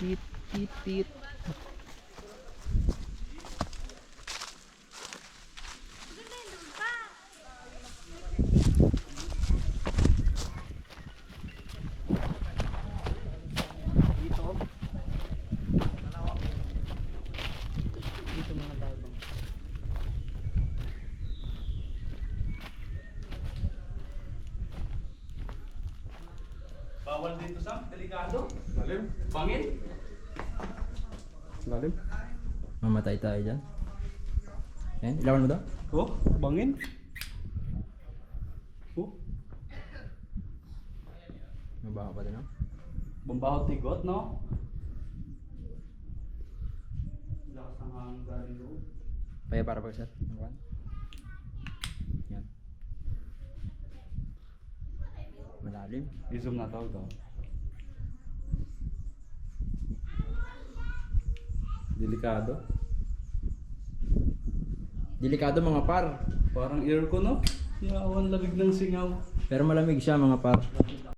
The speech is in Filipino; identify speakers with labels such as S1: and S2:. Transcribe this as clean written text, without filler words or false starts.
S1: Tit, tit, tit. Dito mga tabang.
S2: Bawal dito Sam, delikado.
S3: Lalim.
S2: Bangin.
S3: Lalim.
S1: Mamatay tayo dyan. Yan, ilawan mo daw.
S2: Oh, bangin. Oh,
S1: Mabaho pa din, no?
S2: bumbaho tigot, no? Lakas ng hangin galing doon.
S1: Kaya para pag-set. Yan. Malalim.
S2: I-zoom na tawag daw. Delikado.
S1: Delikado mga par.
S2: Parang aircon, no? Yawan lamig ng singaw.
S1: Pero malamig siya mga par.